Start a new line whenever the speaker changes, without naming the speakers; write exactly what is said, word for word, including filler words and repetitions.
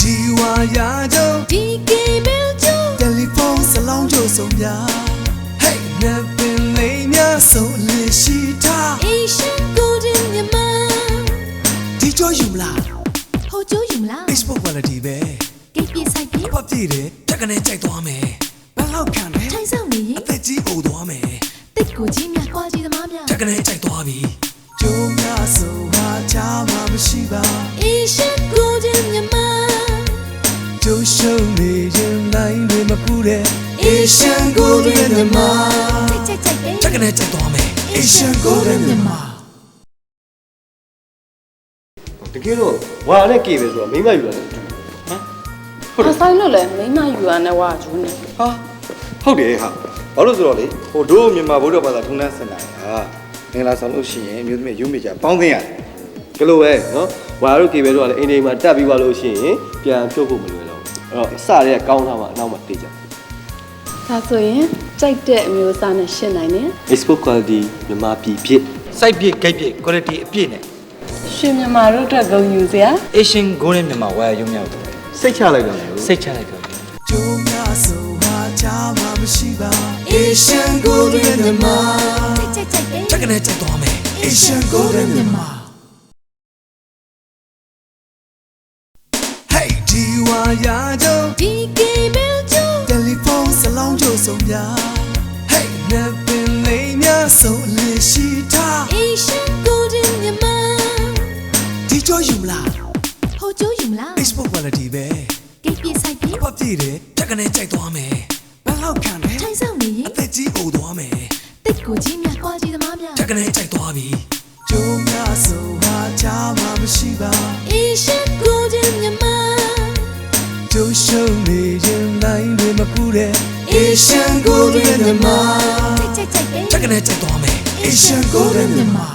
ဒီဝါယာကြုံ
ဒီကေဘယ်ကြုံ
တယ်လီဖုန်းစလောင်းကြုံဆုံးများ Hey နပ်ပင်လေးများဆုံးလေးရှိထား
Asian Golden မြန်မာ
ဒီကြောယူမလား
ဟိုကျိုးယူမလား
Facebook quality ပဲ
ကိတ်ပြဆိုင်ပြ
ပတ်ပြည့်တယ်တက်ကနဲ့ကြိုက်သွားမယ်ဘန်လောက်ခံတယ်
ထိုင်ဆောင်နေရင်
အသက်ကြီးအိုသွားမယ်
တစ်ကိုကြီးများကွာကြီးသမားများ
တက်ကနဲ့ကြိုက်သွားပြီကျိုးများဆိုဟာချာမှမရှိပါ
Asian Golden မြန်မာ
ကျိုးရှုံးနေရင်နိုင်တွေမပူတဲ့ Asian Golden မြန်မာ
ကြိုက်ကြိုက်ကြိုက်
တက်ကနဲ့ကြိုက်သွားမယ် Asian Golden မြန်မာ
တကယ်တော့ဝါနဲ့ကေပဲဆိုတော့မိမယူရတယ်ဟမ်
ဟုတ်တယ်ဆိုင်လို့လဲမိမယူရနဲ့ဝါဂျူးနေ
ဟာဟုတ်တယ်ဟာဘာလို့ဆိုတော့လေဟိုတို့မြန်မာဗုဒ္ဓဘာသာထုံးတမ်းစင်တာဟာငင်လာဆောင်လို့ရှိရင်မျိုးသမီးရုံးမိကြပေါင်းသိရတယ်ကလို့ပဲနော်ဝါတို့ကေပဲဆိုတော့လေအိမ်အိမ်မှာတက်ပြီးသွားလို့ရှိရင်ပြန်ဖြုတ်ဖို့မလွယ်တော့အဲ့တော့အစတည်းကကောင်းထားမှအနောက်မှာတေးကြ
ဒါဆိုရင်ကြိုက်တဲ့အမျိုးအစားနဲ့ရှင်းနိုင်တယ်
Facebook quality မြန်မာပြည်ဖြစ်
site ပြည့် gate ပြည့် quality အပြည့်နဲ့
ရှင်မြန်မာတို့အတွက်ဂုဏ်ယူစရာ
Asian Golden မြန်မာဝါရုံမြောက်တယ်
စိတ်ချလိုက်တော့
စိတ်ချလိုက်တော့
ကျိုးများဆိုဟာချာမှမရှိပါ Asian Golden မြန်မာ
ကြိုက်ကြိုက်ကြိုက်
တက်ကနဲ့ကြိုက်သွားမယ် Asian Golden မြန်မာ Hey ဒီဝါယာကြုံ
ဒီကေဘယ်ကြုံ
တယ်လီဖုန်းစလောင်းကြုံဆုံးများ Hey နပ်ပင်လေးများဆုံးလေးရှိထား
Asian Golden မြန်မာ
ဒီကြောယူမလား
ဟိုကျိုးယူမလား
Facebook quality ပဲ
ကိတ်ပြဆိုင်ပြ
ပတ်ပြည့်တယ်တက်ကနဲ့ကြိုက်သွားမယ်ဘန်လောက်ခံတယ်
ထိုင်ဆောင်နေရင်
အသက်ကြီးအိုသွားမယ်
တစ်ကိုကြီးများကွာကြီးသမားများ
တက်ကနဲ့ကြိုက်သွားပြီကျိုးများဆိုဟာချာမှမရှိပါ
Asian Golden မြန်မာ
ကျိုးရှုံးနေရင်နိုင်တွေမပူတဲ့ Asian Golden မြန်မာ
ကြိုက်ကြိုက်ကြိုက်
တက်ကနဲ့ကြိုက်သွားမယ် Asian Golden မြန်မာ